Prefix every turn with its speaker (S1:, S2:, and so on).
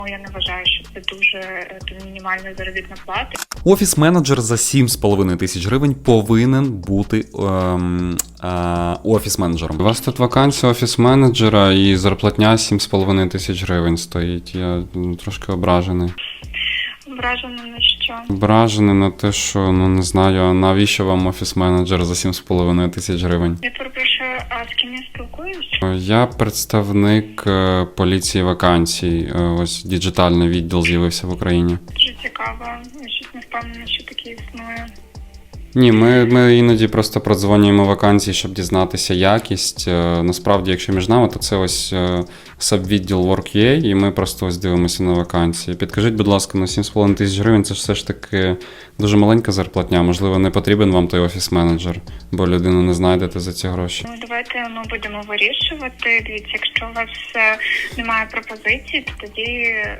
S1: Я не вважаю, що це дуже мінімальна заробітна плата.
S2: Офіс-менеджер за 7,5 тисяч гривень повинен бути офіс-менеджером.
S3: У вас тут вакансія офіс-менеджера і зарплатня 7,5 тисяч гривень стоїть. Я трошки ображений.
S1: Вражена на що?
S3: Ображений на те, що, не знаю, а навіщо вам офіс-менеджер за 7,5 тисяч гривень?
S1: Я перепрошую, а з ким я спілкуюсь?
S3: Я представник поліції вакансій. Ось діджитальний відділ з'явився в Україні.
S1: Дуже цікаво. Я щось не впевнена, що таке існує.
S3: Ні, ми іноді просто продзвонюємо вакансії, щоб дізнатися якість. Насправді, якщо між нами, то це ось сабвідділ Work.ua, і ми просто ось дивимося на вакансії. Підкажіть, будь ласка, на 7,5 тисяч гривень це ж все ж таки дуже маленька зарплатня. Можливо, не потрібен вам той офіс-менеджер, бо людину не знайдете за ці гроші.
S1: Ну, давайте ми будемо вирішувати. Дивіться, якщо у вас немає пропозицій, то тоді